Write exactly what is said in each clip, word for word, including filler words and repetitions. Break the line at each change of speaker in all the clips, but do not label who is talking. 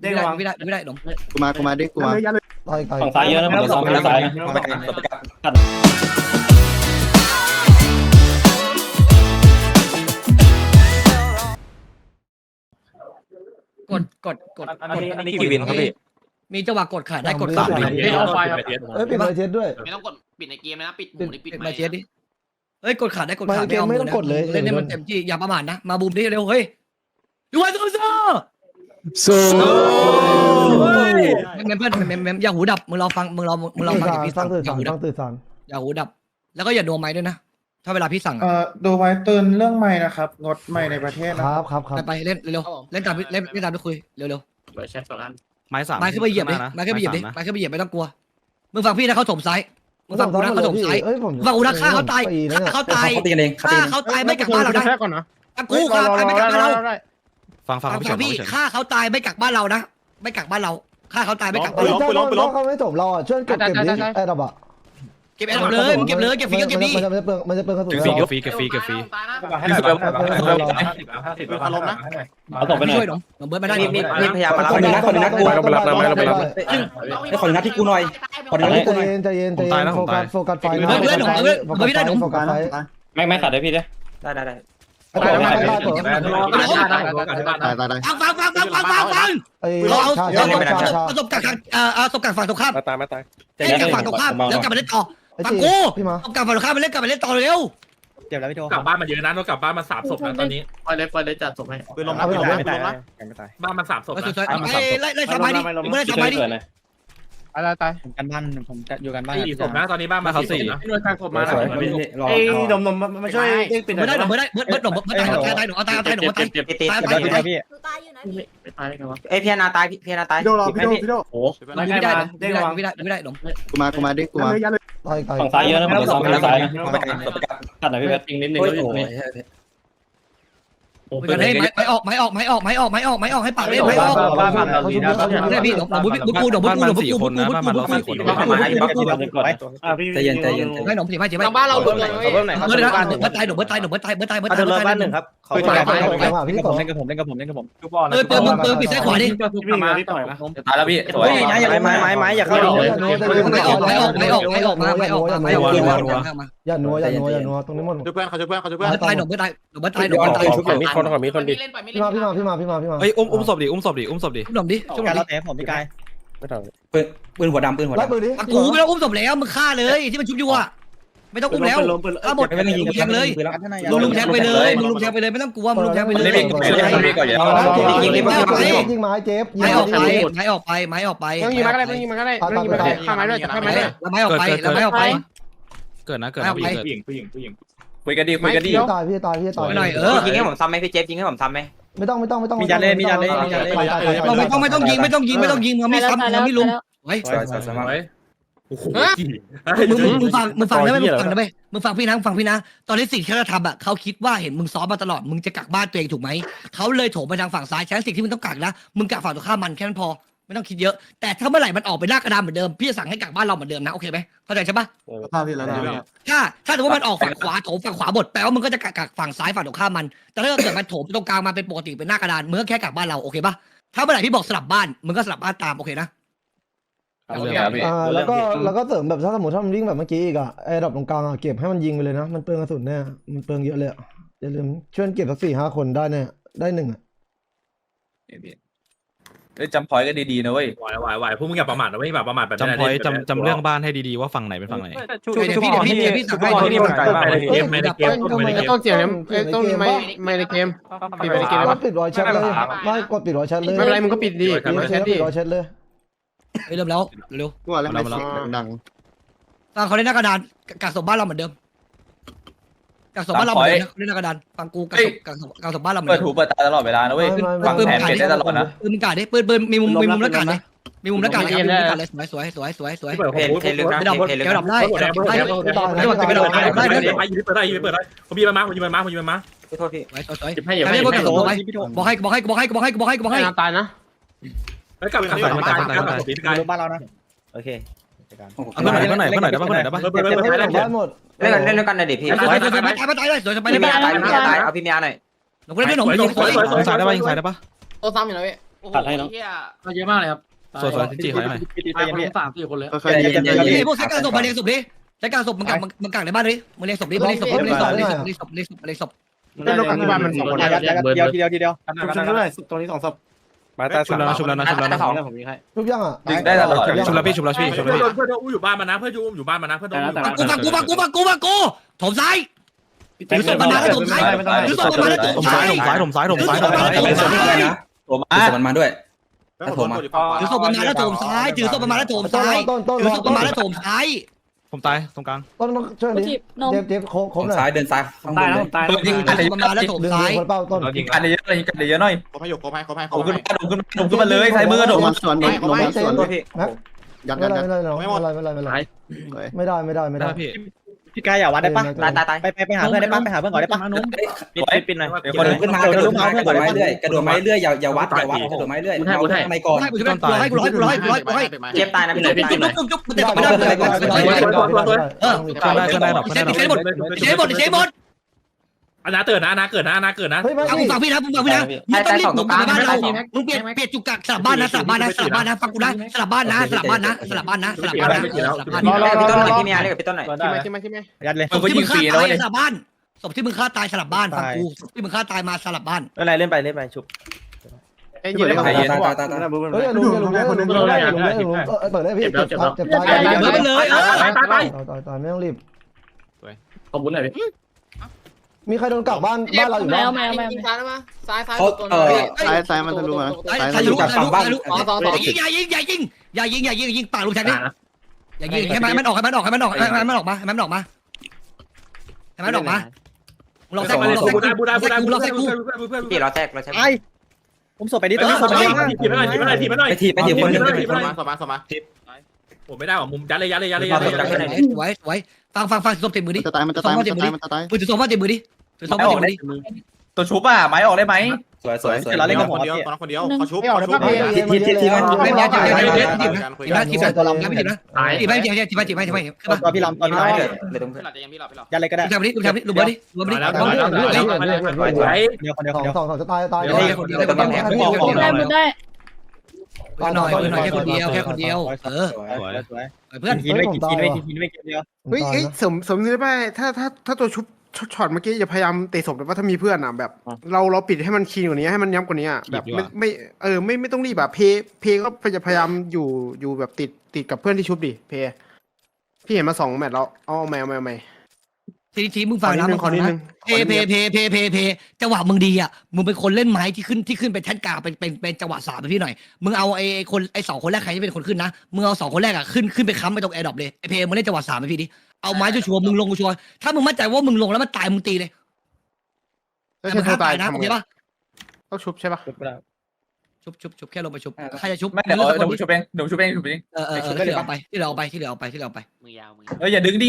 ไม่ได้ไม่ได้ไม่ได้หนม
กูมากูมาดิกูมา
ต่อยต่อย
ฝั่งซ้ายเยอะนะฝั่งซ้ายซ้ายนะ
กดกดกด
อันนี้อันนี้กี่วินครับพี่
มีจังหวะกดขาดได้กดขาด
ไม่เอาไฟเอ้ยปิดไฟเทสด้วย
ไม่ต้องกดปิดในเกมนะปิดห
ปิด
มูนี่ปิด
ปิด
ไม่
มาเชียร์ดิเฮ้ยกดขาดได้กดขาด
ไม่เกมไม่ต้องกดเลย
เล่นให้มันเต็มที่อย่าประมาทนะมาบูมดิเร็วเฮ้ยยูวันสู้สู้
สู้
เมมเพื่อนเมมเมมอย่าหูดับมึงรอฟังมึงรอมึงรอฟัง
สา
จาก
ร
พี่
สร้า
สั่
ง
ง
ตื่น
อย่า
สาร
หู
ส
ดั
ร้า
บ
งตื่นสาร
อย่าหูดับ แล้วก็อย่าโดนไม้ด้วยนะถ้าเวลาพี่สั่ง
เอ่อดูไว้เตือนเรื่องใหม่นะครับงดใหม่ในประเทศ
ค
นะ
รับครับครับ
ไปไปเล่นเร็วเล่นตามเล่นเล่นตามที่คุยเร็วเร็ว
เปิดแชทสองอัน
ไม้สาม
ไม้ขึ้นไปเหยียบดิไม้ขึ้นไปเหยียบดิไม้ขึ้นไปเหยียบไม่ต้องกลัวมึงฟังพี่นะเขาถมซ้ายมึงฟังกูนะเขาถมซ้าย
เอ้ยผม
ฟังกูนะฆ่าเขาตายฆ่าเขาตายฆ่าเขาตายไม่กลับบ้านเรานะกูฆ่าตายไม่กลับบ้านเรา
ฟังฟัง
ฟัง
พี่เฉิน
พี่
พี่เฉิน
ฆ่าเขาตายไม่กลับบ้านเรานะไม่กลับบ้านเราฆ่าเขาตายไม่กลับบ้าน
เฮ้ย
เรา
ถ้าเขาเขาไม่จบเราอ่ะช่วยเก็บเก็บดิไอ้ดับอ่ะ
เก็บแอร์เลยมึงเก็บเลยเก็บฟรีก็เก็บดี
มันจะเปลืองมันจะเปลืองกระสุน
เก็บฟรีเก็บฟรีเก็บฟรีเก็บฟรี
ตายนะ
พี่สุดแล้ว
อารมณ์นะ
เอาตกไปหน่
ช่
อ
วย
ย
หนมหนมเบิร์ดมาได้
มีมีมีพยายามมารับ
คนนึงนะคนนึงนะกู
เราไปรับเราไปรับเราไปรับ
ไอ้ขอนัดที่กูหน่อยขอนัดที่กูหน่อย
ใจเย็นใจเย็นโฟกัสโฟกัสไฟโฟกัสไฟ
ไม่ไม่ขาดได้พี่เด้
ได้ได้ได้
ตายตายตายตัว
ตายตายตาย
ฟังฟังฟังฟังฟังฟังฟัง
ไอ้
เราเอา
ชา
เรา
ชาชาชา
ประสบการณ์เอ่อประสบการณ์ฝั่งตรงข้าม
มาตายมาตาย
เล่นกับฝั่งตรงข้ามแล้วกลับมาเล่นต่อ
ไอ้
ฟัง
จี
กู
พี่มา
เอากลับฝั่งตรงข้ามมาเล่นกลับมาเล่นต่อเร็ว
เจ็บแล้วพี่โท
กลับบ้านมาเยอะนะเรากลับบ้านมาสามศพนะตอนนี้
ไปเลยไปเลยจัดศพให้
ปืนลง
เอาไปหลบนะ
ไม่ตายไม่ตาย
บ้านมาสามศพ
ไล่
นะ
สวยๆไล่ไล่สบายดิมึงไล่สบายดิ
อะไรตายผมกันบ้านผมอยู่กันบ้าน
สี่ศพนะตอนนี้บ้านมาสี่ศพนะ
หน่วยการศพมา
รอ
ไอ้ดม
มาช่วยเด้งปิด
เบิร์ดได้หนมเบิร์ดได้เบิร์ดเบิร์ดหนมเบิร์ดตายตายตายหนมเอาตายเอาตายหนมเอาตาย
ตีตี
ตาย
ตี
ตายตาย
พี่
ตายอยู่นะพี่
ไม่ตายกันวะ
ไอ้พี่นาตายพี่นาตาย
พี่โดรอพี่โดพี่โด
โอ้
ไม่ได้ไม่ได้ไม่ได้ไม่ได้หนม
กูมากูมาดิกูมา
ต่อยต่อย
ฝั่งซ้ายเยอะนะฝั่งซ้ายนะขาดหน่อยพี่เพชร
จริงนิดนึง
กันให้ไม้ออกไม้ออกไม้ออกไม้ออกไม้ออกไม้ออกให้ปากเล่นไม้ออกได้พี่หนมบุ้บุ้กูหนมบุ้กูหนมบุ้กูบุ้กูบุ้กูบุ้กูบุ้กู
ใจเย็นใจเย็น
ให้หนมสิไม่สิไม่
ทางบ้านเราโดนเลย
เขาเพิ่มไหนเขา
เบิร์ด
เพิ่ม
นะ
บ้านหนึ่ง
เบิร์ดตายหนมเบิร์ดตายหนมเบิร์ดตายเบิร์ดตายเบิร์ดตาย
เขา
เบิร์ด
เพิ่ม
ตาย
บ้านหนึ่งครับเขา
ไป
เพิ่ม
ไป
บ้าน
ไปไปพี่
ผ
ต่อ
มเล่นกับผมเล่นกับผมเล่นกับผม
เออเปิดมึงเปิดปิดซ้ายขวาดิ
มาพี่ต่อยนะ
ตายแล้วพี่สวย
ไม้ไม้ไม้ไม้อย่าเข้า
ไม่ออกไม่ออกไม่ออกไม่ออกมาไม่ออกไม่ออก
อย่านัวอย่านัวอย่านัวตรงนี้หมด
ช่วยเพื่อนเขาช่วยเพื่อนเขาช่วยเพื่อน
ตายหนมเบิร์ดตายหนมเบิร์ดตายหนมเบิร์ดตาย
ชุบก่อนมีคนก่อนมีคนดิ
เล่นไปไม่
พี่
เล่
มาน พี่มาพี่มาพี่มาพี่มา
เฮ้ยอุ้มอุ้มศพดิอุ้มศพดิอุ้มศพดิ
หนมดิช่วยหน
การ
ม
เรา
ดิ
เตะผมพี่กาย
ไม่ต้อง
ปืนปืนหัวดำปืนหัว
ไล่
ดำ
ปืนดิ
กูไม่ต้องอุ้มศพแล้วมึงฆ่าเลยที่มันชุบอยู่อ่ะไม่ต้องอุ้มแล้วฆ่าหมด
ไม่ต้องยิง
ลุมแทงเลย
ปืนแล้ว
มึงลุมแทงไปเลยมึงลุมแทงไปเลยไม่ต้องกลัวมึงลุมแทงไปเลย
ยิงไม้เจ็บ
ไม้ออกไปไม้ออกไปไม้ออกไป
ต้องยิงมาก็ได้ต้องยิงมาก็ได้ต้องยิงมาก็ได้ข้าไม้ด้วยจับข้าไม้ด้วย
แล้วไม้ออกไปแล้วไม้ออกไป
เกิดนะเกิดนะผู้หญิง
ผู้หญิงผู้หญิงผู้หญิง
คุยกันดีคุยกันดี
พี่ตายพี่ตายพี่ตาย
ยิงให้ผมซ้ำไหมพี่เจฟยิงให้ผมซ้ำไหม
ไม่ต้องไม่ต้องไม่ต้อง
เราไม่ต้องไม่ต้องยิงไม่ต้องยิงไม่ต้องยิงมึงไม่ซ้ำมึงไม่ลุมเฮ้ย
สวยสวยสวยมาก
โอ้โห
มึงมึงฟังมึงฟังได้ไหมมึงฟังได้ไหมมึงฟังพี่นะฟังพี่นะตอนนี้สิ่งที่เขาทำอ่ะเขาคิดว่าเห็นมึงซ้อมมาตลอดมึงจะกักบ้านตัวเองถูกไหมเขาเลยโถมไปทางฝั่งซ้ายฉะนั้นสิ่งที่มึงต้องกักนะมึงกักฝั่งตรงข้ามมันแค่นั้นพอไม่ต้องคิดเยอะแต่ถ้าเมื่อไหร่มันออกไปหน้ากระดานเหมือนเดิมพี่จะสั่งให้กักบ้านเราเหมือนเดิมนะโอเคไหมเข้าใจใช่ปะ
ภาพที่แล้วนะ
ถ้าถ้าสมมติว่ามันออกฝั่งขวาโถมฝั่งขวาหมดแปลว่ามึงก็จะกักกักฝั่งซ้ายฝั่งตรงข้ามมันแต่ถ้าเกิดมันโถมตรงกลางมาเป็นปกติเป็นหน้ากระดานมึงก็แค่กักบ้านเราโอเคปะถ้าเมื่อไหร่พี่บอกสลับบ้านมึงก็สลับบ้านตามโอเคนะ
อ่าแล้วก็แล้วก็เสริมแบบถ้าสมมติถ้ามันวิ่งแบบเมื่อกี้อีกอ่ะไอ้ดอกตรงกลางอ่ะเก็บให้มันยิงไปเลยนะมันเปลืองกระสุนแน่มันเปลืองเยอะเลยอย่าลืมช่วยเก็บสักสี่ห้าคนได้แน่ได้หนึ่งอ่ะ
เอ้ยจำพอยก็ดีๆนะเว้ย
ไหวไหวไหวพวกมึงอย่าประมาทนะไม่แบบประมาทแบบ
จำพอยจำจำเรื่องบ้านให้ดีๆว่าฝั่งไหนเป็นฝั่งไหน
เดี๋ยวพี่เดี๋ยวพี่เดี๋ยวพี่สั่งให้
ที่มันไกลมากในเกมในเกมในเกม
ต้องเสียงต้องไม่ไม่ในเกมปิดไปในเกม
ก
แล้ว
ดปิดรอยแชทเลยไม่กดปิดรอยแชทเลย
ไม่เป็นไรมึงก็ปิดดี
ปิดรอยแชทปิดรอยแชทเลย
เฮ้ยเริ่มแล้วเร็ว
กูว่าแล้วไม่เสียงดัง
ฟังเขาเล่นหน้ากระดานกักศพบ้านเราเหมือนเดิมกักศพบ้านเราเหมือนเดิมนะเล่นหน้ากระดานฟังกูกักศพกักศพกักศพบ้านเราเหมือน
เปิด
เดิม
หูเปิดตาตลอดเวลานะเว้ยฟังแผนเป็นได้ตลอดนะ
ปืนมึงกาดดิปืนปืนมีมุมมีมุมแล้วกาดเลยมีมุมแล้วกาดเลยมีมุมแล้วกาดเลยสวยสวยสวยสวยสวย
เพลเพลลึกนะ
ไม่ดับ
เพลลึก
แกดับได้ดับได้ไม่หมดจะกระโดดได้ได้
ได้
ได้
ได้ยิงเปิดได้ยิงเปิดได้ผมยิงมาผมยิงมาผมยิงมา
โทษพี่
สวยสวยสวย
ให้อย่า
ใคร
ให้
เรียกว่ากักศพไว้บอกให้บอกให้บอกให้บอกให้บอกให้บอกให้
ตายนะ
แล้วกลับกลับมาตายกลับมาตีกาย
บ้านเรานะโอเค
เพื่อนไหนเพื่อนไหนเพื่อนไหนได้ป่ะเพื่อนไหนได้ป่ะ
เปิดเปิดเปิด
ให้
เปิด
ได้หมด
เล่นเล่นด้วยกันเลยดิพี่
สวยสวยสวยตายตายเลยสวยไปเลย
พี่
ไป
เมียตายพี่เมียตายเอาพี่เมียหน่อย
หนุ่มเล่นหนุ่มหนุ่มสวย
ยิงซ้ายได้ป่ะยิงซ้ายได้ป่ะ
โอ้ซ้ำอยู่นะพี่
ตัดให้เนาะเยอะมากเลยครับ
สวยๆจีขอหน่อย
ไปคนสามสี่คนเลย
ค่อยๆยิง
นี่พวกใช้การศพมาเรียงศพดิใช้การศพมันกักมันกักในบ้านดิมันเรียงศพดิมันเรียงศพมันเรียงศพเรียงศพเรียงศพเรียงศพเรียงศพ
เป็นโลกที่บ้านมันสองคน
เดียวทีเดียวทีเดียว
ชุบๆด้วยตรงนี้สองศพ
มาตาชุบแล้วชุบแล้วนะชุบแล้วนะ
ผมยิงให้
ทุกอย่างอ่ะ
ดึงได้ตลอดชุบแล้วพี่ชุบแล้วพี่ชุบ
เพื่
แล้ว
อน
พี่
เพื่อนอุ้มอยู่บ้านมานะเพื่อนอุ้มอยู่บ้านมานะเพื่อนอุ้มอยู่บ้าน
ฟังกูฟังกูฟังกูฟังกูฟังกูถมซ้ายถือศพมาแล้วถมซ้ายถือศพมาแล้วถ
ถ
ม
ม
ซ้า
ซ้าย
ย
ถมซ้ายถมซ้ายถมซ้ายถมซ้าย
ผมมามันมาด้วย
แล้วผมมา
ถือศพมาแล้วถมซ้ายถือศพมาแล้วถมซ้าย
ต้นต้น
ถือศพมาแล้วถมซ้าย
ผมตายตรงกลาง
ต้นต้องช่วยดิเจ็บเจ็บโค้ง
ผ
โค้ง
ม
หน่อย
ซ้ายเดินซ้ายข้างบนเลย
ถือศพมาแล้วถม
ดึง
ซ้าย
คนเป้าต้น
ยิงกันเยอะเลยยิงกันเยอะหน่อย
เขาให้ยกเขาให้เขาให้
โด
เขา
ดขึ้น
ให้
มาโดดขึ้นมาโดดขึ้นมาเลยใส่มือโดด
มันสวนนี่ลงมันสวน
แม็ก
ยัน
ไม่
ยัน
ได้
ยัน
ไม่ได้ไม่ได้ไม่ได้ไม่ได้ไม่ได้ไม่ได้ไม่
ได้
ได้
พี่
พี่กายอย่าวัดได้ปะ
ตายตายตาย
ไปไปไปหาเพื่อนได้ปะไปหาเพื่อนก่อนได้ปะ
ปิดปิดหน่อย
กระโดดขึ้นมากระโดดมากระโดดไม้เรื่อยกระโดดไม้เรื่อยอย่าอย่าวัดอย่าวัดกระโดดไม้เรื่อยเอาทำไมก่อน
ให้กูช่วยกูร้อยกูร้อยกูร้อยกูร้อยกูร้อย
เจ็บตายนะพี่
จุ๊บ
เจ็บตาย
จุ๊บจุ๊บจุ๊บมันเตะต่อไม่ได้เลยเออ
ช่วยได้ช่วยได้หรอก
เชฟเชฟหมดเชฟหมดเชฟหมด
อนาเกิดนะอนาเกิดนะอนาเกิดนะ
เฮ้ยมา
ฟัง
สิ
ฟังพี่นะฟังพี่นะมึงต้องรีบหนุนกลับบ้านเรามึงเปลี่ยนเปลี่ยนจุกกักสลับบ้านนะสลับบ้านนะสลับบ้านนะฟังกูนะสลับบ้านนะสลับบ้านนะสลับบ้านนะสลับบ้านนะสลับบ้าน
รอ
นะ
รอพี่ต้นหน่อยพี่เมียเรียกพี่ต้นหน่อย
ใช่ไหมใช่ไหมใช่ไหม
ยัดเลย
ศพที่มึงฆ่าตายสลับบ้านศพที่มึงฆ่าตายสลับบ้านฟังกูศพที่มึงฆ่าตายมาสลับบ้าน
อะไรเล่นไปเล่นไปชุบไอ้ยืน
ตายตายตายตาย
เฮ้ยลุงลุงลุงลุงลุงลุงเปิดได้พี่เจ็บเจ็บตาย
ไปเลยเออ
ตายตายตาย
ตายตายไม่ต้องรีบ
ขอบคุณหน่อยพี่
มีใครโดนกักบ้านบ้านเราอยู่
แม
บ้าง
วแมวแมว
ซ้ายมาซ้ายซ้าย
เขาเออ
ซ้ายซ้ายมันทะลุมา
ใคร
ซ้าย
ใคร
ทะลุ
รู้ใครรู้ใครรู้อย่ายิงอย่ายิงอย่ายิงอย่ายิงอย่ายิงปากลูกแทงดิอย่ายิงให้มันมันออกให้มันออกให้มันออกให้มันออกมาให้มันออกมาให้มันออกมาลองแทงกูลองแทง
บูได้บูได้บูได้
กู
บู
ลอง
ได้
แทงกู
พี่เราแทกเราแทก
ไอ้ผมส่งไปดิตอนนี้ส่งไปดิ
ทีมไม่หน่อยทีมไม่หน่อยทีมไม่หน่อย
ไปทีไปทีคนนึง
สมาสมาสมา
ผมไม่ได้หรอมุมยัดเลยยัดเลยยัดเลยยัดเลยยัดเลย
สวยสวยฟังฟังฟังศพเต็มมือดิ
จะตายมันจะตายมันจะตายมันจะตาย
มือถือศพว่าเต็มมือดิถือศพว่าเต็มมือดิ
ตัวชุบอ่ะไม้ออกได้ไหม
สวยสวยสวย
เราเล่นกับคนเดียวคนเดียวเขาชุบเขาชุบ
ทีทีทีมัน
ไม่ไม่จีบจีบจีบจีบนะจีบนะจีบนะตัวลำนะไม่จีบนะ
ตาย
จีบไม่จีบจีบจีบไม่จีบไม่คือป่ะ
ตอนพี่ลำตอนพี่ลำ
เลยเลยตรงเพื่อน
ยันเลยก็ได้
ดูทำดิดูทำดิดูเบอร์ดิดูเบอร์ดิ
แล้วแล้วแล้ว
เดียวคนเดียว
ส
ค
อน ง
เดียว
สองสองจะตายตาย
คนเดียวคนเดียว
ได้หมดได้
หน่อยหน่อยแค่คนเดียวแค่คนเดียวเออ
สวยสวย
เพื่อน
ทีไม่กี่ทีไม่กี่ทีไม่กี่เดียว
เฮ้ย
เฮ้ยสมสมนึกได้ป่ะถ้าถ้าถ้าตัวชุบช็อตเมื่อกี้อย่าพยายามเตะศพเลยว่าถ้ามีเพื่อนอ่ะแบบ เราเราปิดให้มันคีนกว่านี้ให้มันย้ำกว่านี้อ่ะแบบไม่ไม่เออไม่ไม่ต้องรีบแบบเพเพก็จะพยายามอยู่อยู่แบบติดติดกับเพื่อนที่ชุบดิเพพี่เห็นมาสองแมตช์แล้วเอาแมวแมวแมว
ทีทีมึงฟังนะ
ข
มึ
อง
ฟัง
นิด
นะ
นึง
เพเพเพเพเพเพจังหวะมึงดีอ่ะมึงเป็นคนเล่นไม้ที่ขึ้นที่ขึ้นเป็นแท่นกลางเป็นเป็นเป็นจังหวะสามไปพี่หน่อยมึงเอาไอ้คนไอ้สองคนแรกใครที่เป็นคนขึ้นนะมึงเอาสองคนแรกอ่ะขึ้นขึ้นไปค้ำไปตรงแอร์ดรอปเลยไอ้เพมึงเล่นจังหวะสามไปพี่ดิเอาไม้ชัวร์มึงลงชัวร์ถ้ามึงมั่นใจว่ามึงลงแล้วมันตายมึงตีเลย
แล้ว
แต่
ใช่
มัน
ตา
ตาย ยนะ
ทำ
โอ
ไง
เคปะ
ต้องชุบใช่ปะ
ชุบชุบชุบแค่ลงไปชุบใครจะชุบ
ไม่เดี๋ยวเดี๋ยวชุบเองเดี๋ยวชุบเองชุบเอง
เออเออเออที่เหลือเอาไปที่เหลือเอาไปที่เหลือเอาไปที่เหลือเอาไป
มือยาวมือ
เอออย่าดึงดิ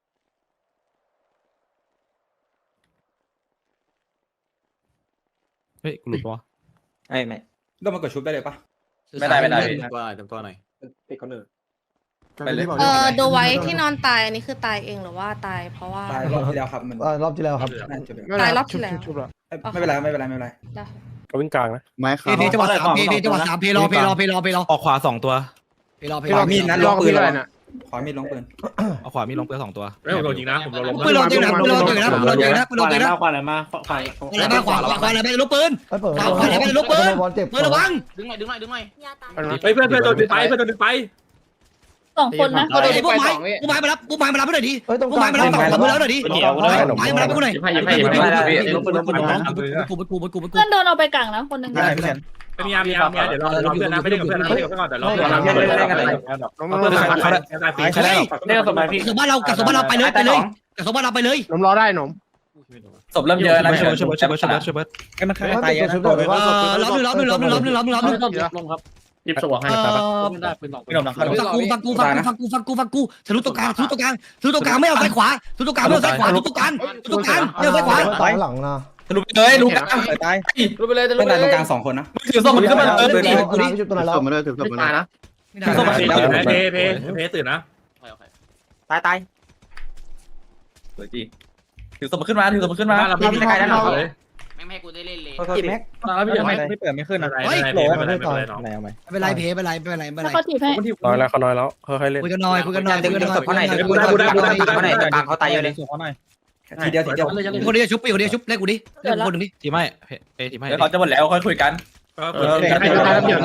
เฮ้ยกูหลุดปะ
ไอ้ไม่ก็มากดชุบได้เลยปะ
ไม่ได้ไม่ได้
ตัวหน่อยตัวหน่อย
ติดคนอื่น
ไปเลย
เออดูไว้ที่นอนตายอันนี้คือตายเองหรือว่าตายเพราะว่า
ตายรอบที่แล้วครับมัน
รอบที่แล้วครับ
ตายรอบที่แล้ว
ชุบแล้ว
ไม่เป็นไรไม่เป็นไรไม่เป็นไร
ก็วิ่งกลางนะ
ไม้
เพ
ขาว
เพจังหวะสามเพเพจังหวะสามเพรอเพรอเพรอเพรอ
ออกขวาสองตัว
เพรอเพ
ข
รอ
วามีดนะ
ล
ล
อง
งปื
พี่
น
อะไรน่ะ
ขวามีดลงปืน
เอาขวามีลงเปลือสองตัว
ไม่ผมโดนยิงนะผมโดนล้ม
ปืนเราเจอนะปืนเราเจอนะปืนเราเจอนะปืนเราเจอนะ
ขวาอะไรมาขวาขวา
อะไรมาขวาขวาขวาอะไรไปลูกปืน
เปิด
ขวาขวาอะไรไปลูกปืน
บอลเจ็บ
ปืนระวัง
ดึงหน่อยดึงหน่อยดึงหน่อย
เฮ้ยเพื่อนเพื่อนโดนดึงไปเพื่อนโดนดึงไป
สองคนนะ
ไอ้พวกไม้พวกไม้มารับพวกไม้มารับให้หน่อยดิ
เฮ้ยตรง
พวก
ก
ไม้
ลาง
มารับฝั่งมือแล้วหน่อยดิ
เหนียวเลย
ไม้มารับให้กูหน่อย
ยิบให้ยิบให้ยิบให้
กูกูกูกูกูกู
เพื่อนโดนเอาไปกังนะคนหนึ่ง
ไม่ได้ไม่ได้
เป็นยามยามยามเดี๋ยวเราเราเพื่อนนะไม่ได้กับเพื่อนนะไม่ได้กับเพื่อนก่อนเดี๋ยวเรา
เล่นเล่นกันเลย
ล้ม
เพื่อน
ล้ม
เขาได้เขาได้ปี
ใครได้
เล่นกับสมัยพี่
กระสุนบ้านเรากระสุนบ้านเราไปเลยไปเลยกระสุนบ้านเราไปเลย
ล้มล้อได้หนม
ศพเริ่มเยอะนะช่วยช่วยช่วยช่วยช่วยช่วย
ไอ้มัน
ให้ติดชุดเลย
เอ
ว่า
อล้อมหนึ่งล้อมหนึ่งล้อมหนึ่งล้อมหนึ่งล้อมหนึ่งล้อมหนึ่ง
ลงครับยิบสวงให้
เออ
ไม่ได้ปืนสอง
พี่หนมหลังเข้า
ฟังกูฟังกูฟังกูฟังกูฟังกูฟังกูทะลุตรงกลางทะลุตรงกลางทะลุตรงกลางไม่เอาซ้ายขวาทะลุตรงกลางไม่เอาซ้ายขวาทะลุตรงกลางทะลุตรงกลางไม่เอาซ้ายขวา
ตายหลังนะ
ทะลุไปเลยลุก
ตาย
รู้ไปเลยจะ
เพื่
รู้
อน
ไป
ตาย
เล
ตรงกลางสองคนนะ
มือถือศพมันขึ้นมาเออ
เอา
ดิ
น้ำไปชุบตัวไหนแล้ว
ถือมาเลยถือ
ไม่
มา
ตาย
เลย
นะ
ไม่ได้
เพเพเพตื่นนะ
ตายตาย
สวยจีถือศพมันขึ้นมาถือศพมันขึ้นมา
เราพี่ไม่ได้ใครได้หรอกเลย
เ
ไม่ให้กูได้เล่นเลย
กี่แม็ก
ไม่
ไม่เปิดไม่ขึ้น
อะ
นะ
ไรอะไรไม่เป็นไรไม่เป็นไรน้อง
ไหนเอาไหม
ไม่เป็นไรเพไม่เป็นไรไม่เป็นไรไม่เป็นไร
เขาถีบให้
น้อยแล้วเขาน้อยแล้วค่อยๆเล่น
คุยกันหน่อยคุยกันหน่อยคุยกันหน่อย
เขาไหน
คุย
กู
กันห
ได้
น่อย
กูได้กูได้
คุยกันหน่อย
เขาไหนกลางเขาตายเยอะเลยทีเดียวทีเดียว
คนเดียวชุบไปคนเดียวชุบเล่นกูดิเล่นคนหนึ่งดิ
ทีไม่เอทีไม่
เดี๋ยวเขาจะหมดแล้วค่อยคุยกัน
ก็เปิดให้ดูได้เดี๋ยว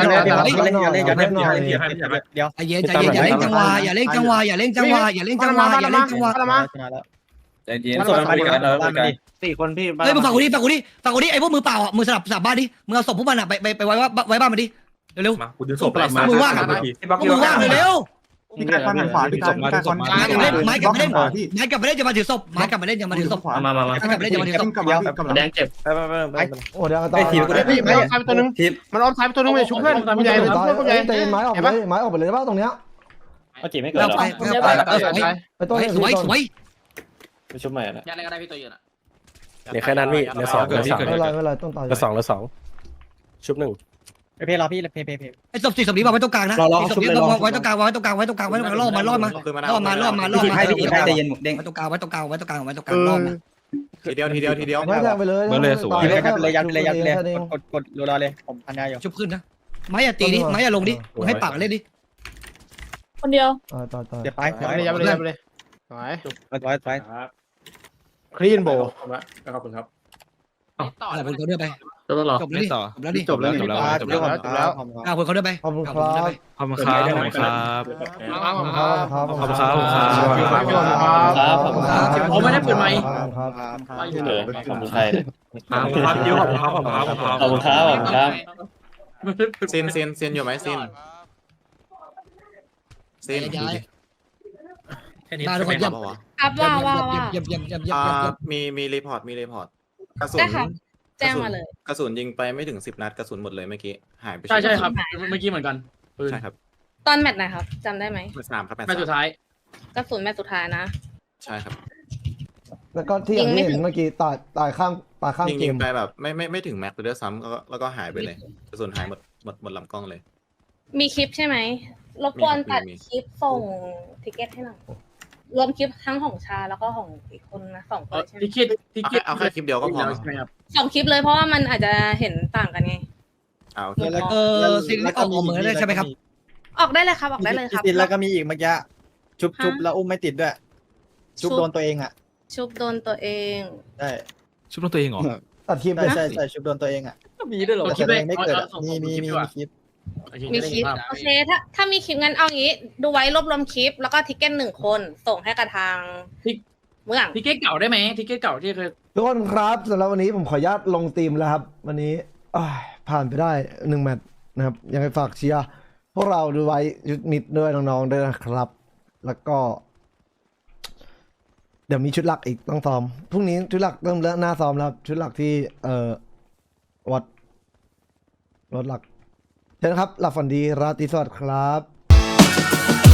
เดี๋ยว
ใจเย็นใจเย็นอย่าเล่นจังหวะอย่าเล่นจังหวะอย่าเล่นจังหวะอย่าเล่นจังหวะอย่าเล่นจังหวะ
มา
ใจเย็นส่วนคุยกันเออคุยกัน
สี่คนพี่
เฮ้ยมึงฟังกูดิฟังกูดิฟังกูดิไอ้พวกมือเปล่าอ่ะมือสลับสลับบ้านดิมึงเอาศพพวกมันอ่ะไปไปไปไว้ว่าไว้บ้านมันดิเร็ว
มากูดึงศพไปมา
ๆพวกมึงว่างเร็ว
พี่การฟันขวาพี่การการฟัน
ไม้กลับมาเล่นไม้กลับมาเล่นไม้กลับมาเล่นจะมาถือศพไม้กลับมาเล่นจะมาถือศพ
มามามา
ไม้กลับมาเล่นจะมาถือศพ
แดงเจ็บ
ไปไปไปไป
โอ้เดี๋ยวตา
ไอ้
ย
ทีมกูได้
ไอ้ไม้ซ้ายไปตัวนึง
ทีม
มันอ้อมซ้ายไปตัวนึงเลยชุบเพื่อนคุณใหญ่ชุบ
ตาย
เพื่อนคุณใหญ่
เตะไม้ออกไปเลยไม้ออกไปเลยได้ป่ะตรงเนี้ย
เขาจีไม่เกิด
แล้ว
หรอ
ไปแล้วไปเออสวย
ไปต้น
สวยสวย
ไปชุบใหม่นะ
ยันอะไรก็ได้พี่ตัวยืนอ่ะ
เดี๋ยวแค่นั้นพี่เหลือสองเหลือสอง
ไม่เป็นไรไม่เป็นไรต้นตาย
เหลือสองเหลือสองชุบหนึ่ง
เพย์รอพี่เพย์เพย์เพย์
ไอ้ศพสี่ศพนี้วางไว้ตรงกลางนะศพนี้ไว้ตรงกลางไว้ตรงกลางไว้ตรงกลางไว้ตรงกลางล่อมาล่อมาล่อมาล่อมาล่อมา
ให้พี่ให้ใจเย็นเด้ง
ไว้ตรงกลางไว้ตรงกลางไว้ตรงกลางไว้ตรงกลางล่อมา
ทีเดียวทีเดียวทีเดียว
ไม่แทงไปเลย
ทีเลยครับเลยยัดเลยยัดเลยกดกดรอเลยผมพันยาอยู่
ชุบขึ้นนะไม้อย่าตีดิไม้อย่าลงดิมึงให้ปากเล่นดิ
คนเดียว
ตายตายตาย
เดี๋ยวไป
ยับเลยยับเลยยับเลยไป
ไปไป
คลีนโบ
ขอบคุณครับ
ต่อ
อ่าคนเขาเดินไป
จะต้องรอ
จบแล้วดิ
ต่อ
จบแล้วดิ
จบแล้วจบแล้วจบแล้ว
จบแล้ว
อ่าคนเขาเดินไป
ขอบคุณครับ
ขอบคุณครับขอบคุณครับ
ขอบคุณครับ
ขอบคุณครับขอบคุณครับ
ครับขอบคุณครับ
ผมไม่ได้เปิดไมค์
ครับ
เออขอบคุณใคร
ขอบคุณครับเดี๋ยวขอบคุณครับขอบคุณครับ
ขอบคุณครับขอบคุณครับ
เซนเซนเซนอยู่ไหมเซนเซน
มาทุกคนเยี่ยม
ครับว่าว่าว่า
เยี่ยมเยี่ยมเยี่ยมเยี่ยม
อ่า
เยี่ยม
มีมีรีพอร์ตมีรีพอร์ตกระสุน
ได้ค่ะแจ้งมาเลย
กระสุนยิงไปไม่ถึงสิบนัดกระสุนหมดเลยเมื่อกี้หายไป
ใช่ใช่ครับเมื่อกี้เหมือนกันปืน
ใช่ครับ
ตอนแมตช์ไหนครับจำได้ไหม
แมตช์สามครับแมตช์
แม่สุด
สาม
ท้าย
กระสุนแมตช์สุดท้ายนะ
ใช่ครับ
แล้วก็ที่อย่างที่เห็นเมื่อกี้ตายตายข้างตายข้าง
ยิง
เก
ยิง
ม
ไปแบบไม่ไม่ไม่ถึงแม็กซ์เลยด้วยซ้ำแล้วก็แล้วก็หายไปเลยกระสุนหายหมดหมดหมดลำกล้องเลย
มีคลิปใช่ไหมรบกวนตัด
มี
คลิปส่งทิเก็ตให้หน่อยรวมคลิปทั้งของชาแล้วก็ของอีกคนนะสองคนใช่ไหม
ที่คิดที่
เอา
คิ
แค่
ด
เอาแค่คลิปเดียวก็พอ
ใช่ไหมครับ
สองคลิปเลยเพราะว่ามันอาจจะเห็นต่างกันไง
เอาโอเค
เออสิ่งที่ออกเหมือนเลยใช่ไหมครับ
ออกได้เลยครับออกได้เลยครับ
ติดแล้วก็มีอีกเมื่อกี้ชุบชุบแล้วอุ้มไม่ติดด้วยชุบโดนตัวเองอ่ะ
ชุบโดนตัวเอง
ใช่
ชุบตัวเองเหรอ
ตัดคลิปเล
ใช่
ย
ใช่ใช่ชุบโดนตัวเองอ่ะ
มีด้วยเหรอ
แต่ตัวเองไม่เกิดมีมีมีมีคลิป
มีคลิปโอเคถ้าถ้ามีคลิปงั้นเอางี้ ดูไว้รวบรวมคลิปแล้วก็ทิกเก็ตหนึ่งคนส่งให้กับทางเมือง
ทิเก็ตเก่าได้ไหมทิเก็ตเก่าที่เคย
ทุกคนครับสำหรับวันนี้ผมขออนุญาตลงทีมแล้วครับ วันนี้อ้ายผ่านไปได้หนึ่งแมตช์นะครับยังไงฝากเชียร์พวกเราดูไว้ชุดมิดด้วยน้องๆด้วยนะครับ แล้วก็ เดี๋ยวมีชุดหลักอีกต้องซ้อมพรุ่งนี้ชุดหลักเริ่มเริ่มหน้าซ้อมแล้วชุดหลักที่เอ่อวัดรถหลักเชิญครับหลับฝันดีราตรีสวัสดิ์ครับ